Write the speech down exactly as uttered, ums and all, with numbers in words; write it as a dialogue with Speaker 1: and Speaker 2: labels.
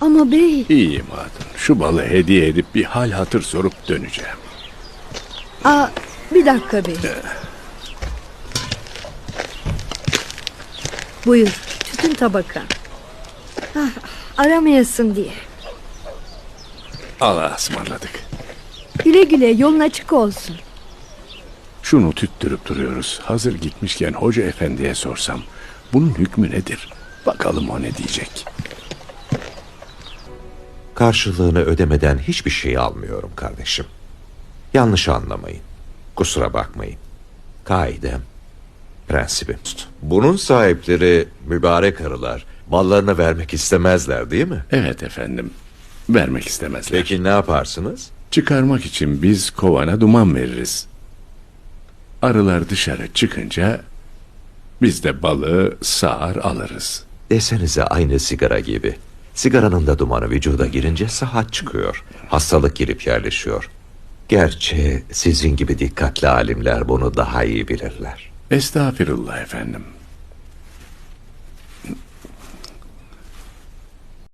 Speaker 1: Ama bey...
Speaker 2: İyiyim hatun. Şu balı hediye edip bir hal hatır sorup döneceğim.
Speaker 1: Aa, bir dakika bey. Buyur, tütün tabaka. Ah, aramayasın diye.
Speaker 2: Allah'a ısmarladık.
Speaker 1: Güle güle, yolun açık olsun.
Speaker 2: Şunu tüttürüp duruyoruz. Hazır gitmişken hoca efendiye sorsam bunun hükmü nedir? Bakalım o ne diyecek.
Speaker 3: Karşılığını ödemeden hiçbir şey almıyorum kardeşim. Yanlış anlamayın. Kusura bakmayın. Kaidem, prensibim. Bunun sahipleri mübarek arılar mallarını vermek istemezler değil mi?
Speaker 2: Evet efendim. Vermek istemezler.
Speaker 3: Peki ne yaparsınız?
Speaker 2: Çıkarmak için biz kovana duman veririz. Arılar dışarı çıkınca biz de balığı sağar alırız.
Speaker 3: Desenize aynı sigara gibi. Sigaranın da dumanı vücuda girince sıhhat çıkıyor. Hastalık girip yerleşiyor. Gerçi sizin gibi dikkatli alimler bunu daha iyi bilirler.
Speaker 2: Estağfirullah efendim.